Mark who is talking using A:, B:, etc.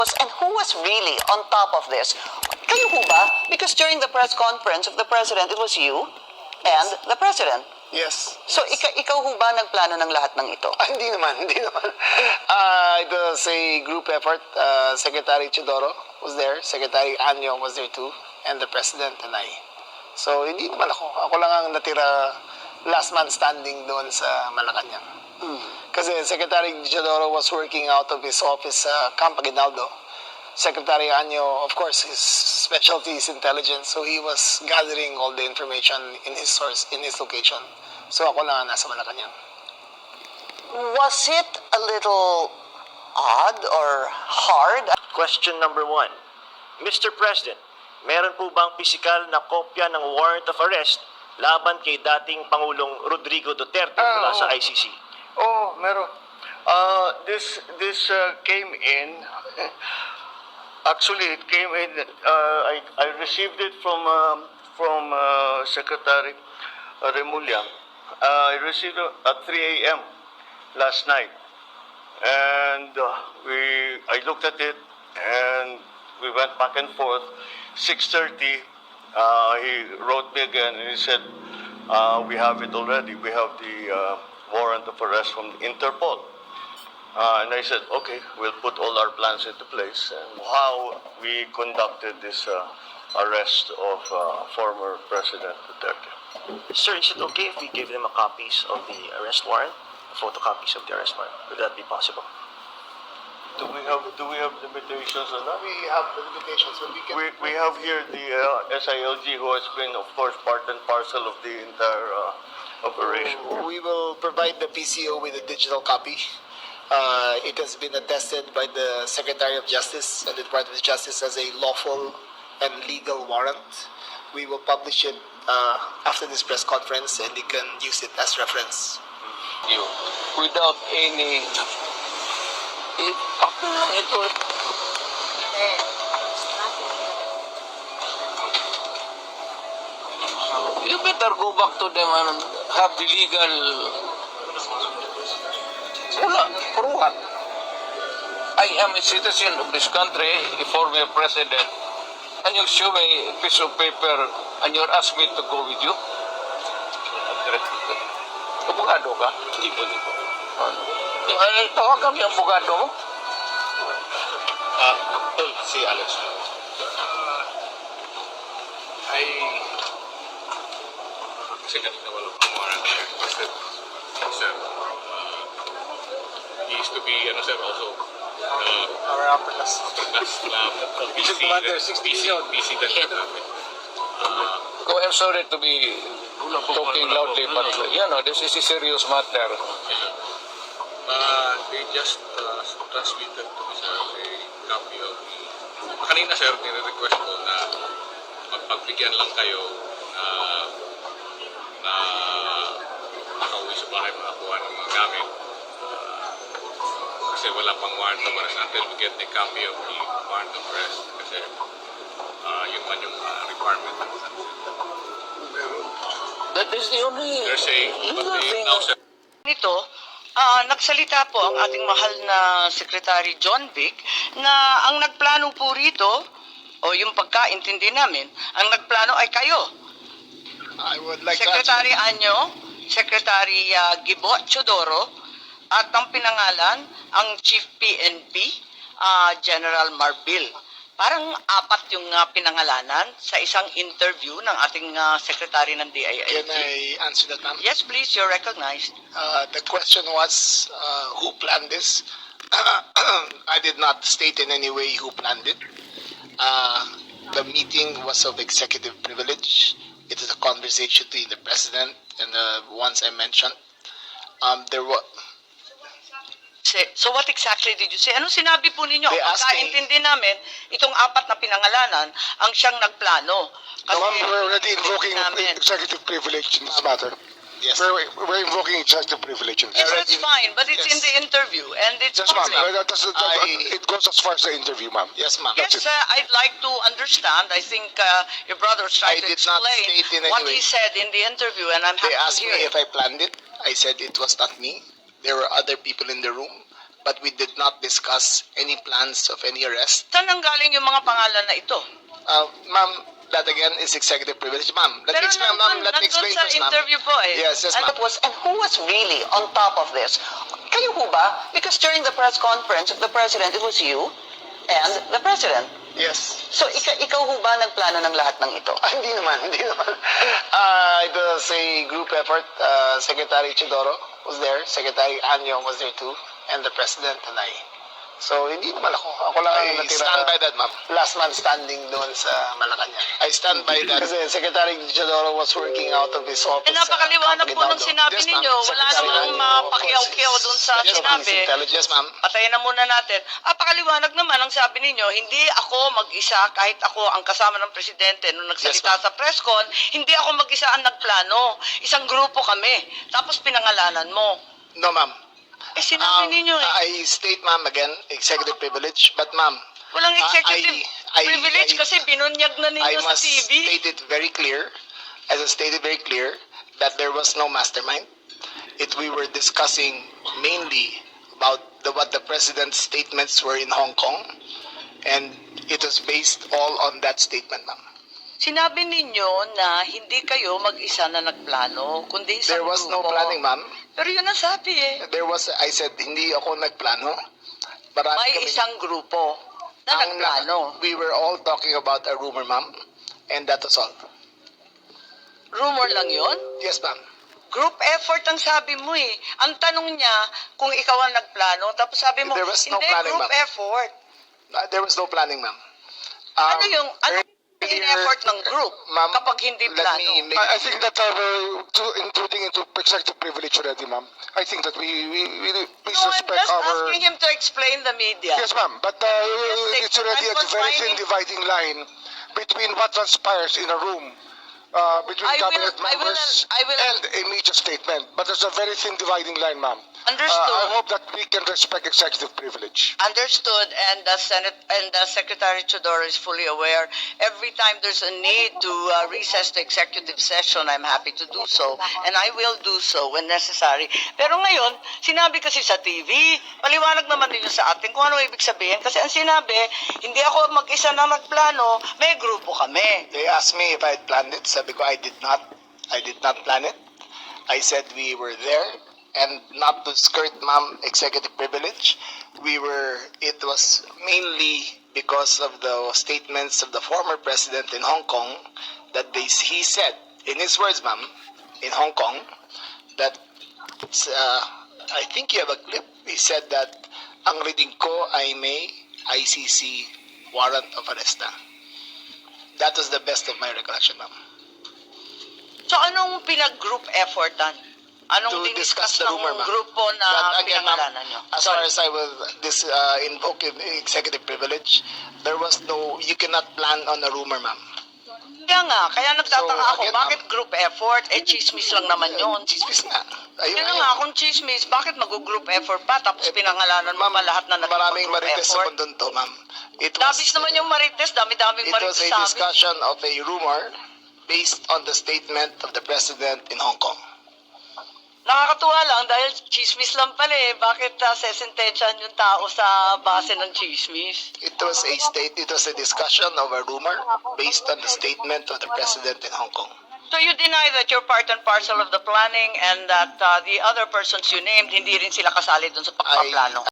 A: And who was really on top of this? Kayo ho ba? Because during the press conference of the President, it was you and the President.
B: Yes.
A: So ikaw ho ba nagplano ng lahat ng ito?
B: Hindi naman, hindi naman. It was a group effort. Secretary Chidoro was there, Secretary Anyo was there too, and the President and I. So hindi naman ako. Ako lang ang natira last man standing doon sa Malacanang. Kasi Secretary Chidoro was working out of his office sa Camp Aguinaldo. Secretary Anyo, of course, his specialty is intelligence, so he was gathering all the information in his source, in his location. So ako lang ang nasa Malacanang.
A: Was it a little odd or hard?
C: Question number 1. Mr. President, meron po bang pisikal na kopya ng warrant of arrest laban kay dating Pangulong Rodrigo Duterte mula sa ICC?
D: Oh, meron. This came in. Actually, it came in. I received it from Secretary Remulla. I received it at 3 a.m. last night, and I looked at it, and we went back and forth. 6:30, he wrote me again, and he said, "We have it already. We have the warrant of arrest from Interpol." And I said, "Okay, we'll put all our plans into place." And how we conducted this arrest of former President Duterte.
C: Sir, is it okay if we give them a copies of the arrest warrant? Photocopies of the arrest warrant? Would that be possible?
D: Do we have limitations on that?
B: We have the limitations, but we can...
D: We have here the SILG, who has been, of course, part and parcel of the entire operation.
B: We will provide the PCO with a digital copy. It has been attested by the Secretary of Justice and the Department of Justice as a lawful and legal warrant. We will publish it after this press conference, and you can use it as reference.
E: You without any ako lang ito. You better go back to them and have the legal. Wala, for what? I am a citizen of this country, a former president, and you show me a piece of paper and you ask me to go with you? Abogado ka? Hindi po. Ano? Tawagan yung abogado mo?
D: Si Alex.
F: Kasi kanina walang warrant requested, sir. He is to be, sir, also
B: Our upper class.
F: lab, PC that namin.
E: Go, I'm sorry to be talking loudly, but this is a serious matter.
F: They just transmitted to me, sir, a copy of the... Kanina, sir, nire-request ko na magpagbigyan lang kayo na nakauwi sa bahay makakuha ng mga gamit. Kasi wala pang warrant of arrest until we get the copy of the warrant of arrest. Kasi yun man yung requirement.
E: That is the only
F: They're saying, but
E: legal
F: they
E: thing.
F: now said,
A: Nito, nagsalita po ang ating mahal na Secretary John Vic na ang nagplano po rito, o yung pagkaintindi namin, ang nagplano ay kayo.
B: I would like
A: Secretary Anyo, Secretary Gibo Chodoro, at ang pinangalan, ang Chief PNP, General Marbil. Parang apat yung pinangalanan sa isang interview ng ating Secretary ng DILG.
B: Can I answer that, ma'am?
A: Yes, please, you're recognized.
B: The question was, who planned this? I did not state in any way who planned it. The meeting was of executive privilege. It is a conversation between the president and the ones I mentioned. There was...
A: So what exactly did you say? Anong sinabi po ninyo?
B: They asked me-
A: Pagkaintindi namin, itong apat na pinangalanan ang siyang nagplano.
G: No, ma'am, we're already invoking
A: namin.
G: executive privilege in this matter.
B: Yes.
G: We're invoking executive privilege in this.
A: Yes, that's fine, but it's
B: Yes.
A: in the interview and it's
G: Yes, ma'am.
A: public.
G: It goes as far as the interview, ma'am.
B: Yes, ma'am.
A: Yes, I'd like to understand. I think your brother was trying
B: I
A: to
B: did not
A: explain
B: state in any
A: what
B: way.
A: he said in the interview, and I'm
B: They
A: happy to
B: asked
A: hear
B: me
A: it.
B: if I planned it. I said it was not me. There were other people in the room. but we did not discuss any plans of any arrest.
A: Saan nanggaling yung mga pangalan na ito?
B: Ma'am, that again is executive privilege. Ma'am, let me explain, ma'am. Let me explain
A: sa
B: first, ma'am.
A: interview po eh.
B: Yes, yes,
H: And
B: ma'am.
H: who was really on top of this? Kayo ho ba? Because during the press conference of the president, it was you and the president.
B: Yes.
H: So ikaw ho ba nagplano ng lahat ng ito?
B: Hindi naman, hindi naman. It was a group effort. Secretary Chidoro was there, Secretary Anyo was there too, and the President and I. So, hindi naman ako. Ako lang ang natira. I stand by that, ma'am. Last man standing doon sa Malacanang. I stand by that. Kasi Secretary Chidoro was working out of his office.
A: Eh, napakaliwanag po ng sinabi
B: Yes, ma'am.
A: ninyo. Wala
B: Secretary
A: namang
B: Anyo,
A: mapakiyaw-kiyaw
B: of course,
A: dun sa
B: yes, ma'am.
A: sinabi.
B: Yes, ma'am.
A: Patayin na muna natin. Napakaliwanag naman ang sabi ninyo, hindi ako mag-isa kahit ako ang kasama ng presidente nung nagsalita
B: Yes, ma'am.
A: sa press con, hindi ako mag-isa ang nagplano. Isang grupo kami. Tapos pinangalanan mo.
B: No, ma'am.
A: Eh, sinabi ninyo eh.
B: I state, ma'am, again, executive privilege. But, ma'am,
A: Walang executive privilege kasi binunyag na
B: I
A: ninyo sa
B: must
A: TV.
B: state it very clear, as I stated very clear, that there was no mastermind. We were discussing mainly about what the president's statements were in Hong Kong, and it was based all on that statement, ma'am.
A: Sinabi ninyo na hindi kayo mag-isa na nagplano, kundi isang
B: There was no
A: grupo.
B: planning, ma'am.
A: Pero yun ang sabi eh.
B: I said, hindi ako nagplano. Marami
A: May
B: kami-
A: isang grupo na
B: ang-
A: nagplano.
B: We were all talking about a rumor, ma'am, and that was all.
A: Rumor lang yun?
B: Yes, ma'am.
A: Group effort ang sabi mo eh. Ang tanong niya kung ikaw ang nagplano, tapos sabi mo,
B: There was no
A: hindi,
B: planning,
A: group
B: ma'am.
A: effort.
B: There was no planning, ma'am.
A: Ano yung
B: earlier-
A: effort ng group
B: Ma'am,
A: kapag hindi
B: let
A: plano?
B: me make-
G: I think that we're intruding into executive privilege already, ma'am. I think that we please
A: No, I'm
G: respect
A: just
G: our...
A: asking him to explain the media.
G: Yes, ma'am, but it's already
A: I'm
G: a very thin
A: confining-
G: dividing line between what transpires in a room between
A: I will-
G: cabinet
A: I will-
G: members
A: I will-
G: and a media statement. But there's a very thin dividing line, ma'am.
A: Understood.
G: I hope that we can respect executive privilege.
A: Understood, and the Senate and the Secretary Chodoro is fully aware. Every time there's a need to recess the executive session, I'm happy to do so, and I will do so when necessary. Pero ngayon, sinabi kasi sa TV, paliwanag naman ninyo sa atin kung ano ibig sabihin. Kasi ang sinabi, hindi ako mag-isa na nagplano, may grupo kami.
B: They asked me if I had planned it. Sabi ko, I did not. I did not plan it. I said we were there, and not to skirt, ma'am, executive privilege. It was mainly because of the statements of the former president in Hong Kong that he said, in his words, ma'am, in Hong Kong, that, I think you have a clip, he said that, ang reading ko ay may ICC warrant of arrest na. That was the best of my recollection, ma'am.
A: So anong pinag-group effortan? Anong
B: To discuss
A: diniscuss
B: the
A: ng
B: rumor, ma'am.
A: grupo na
B: But again, ma'am,
A: pinangalanan nyo?
B: as far as I will invoke executive privilege, there was no, you cannot plan on a rumor, ma'am.
A: Kaya nagtataka
B: So,
A: ako,
B: again,
A: bakit group effort? Eh, chismis lang naman yun.
B: Chismis nga. Ayun
A: Yun na nga, kung chismis, bakit mag-group effort pa? Tapos pinangalanan mo
B: Ma'am,
A: pa lahat na
B: maraming
A: nag-group
B: marites sa
A: effort?
B: mundo to, ma'am.
A: Dabis naman yung marites, dami-daming
B: It
A: marites
B: was a
A: sa amin.
B: discussion of a rumor based on the statement of the president in Hong Kong.
A: Nakakatuwa lang dahil chismis lang pala eh. Bakit sesentensyahan yung tao sa base ng chismis?
B: It was a discussion of a rumor based on the statement of the president in Hong Kong.
A: So you deny that you're part and parcel of the planning and that the other persons you named, hindi rin sila kasali dun sa pagpaplano?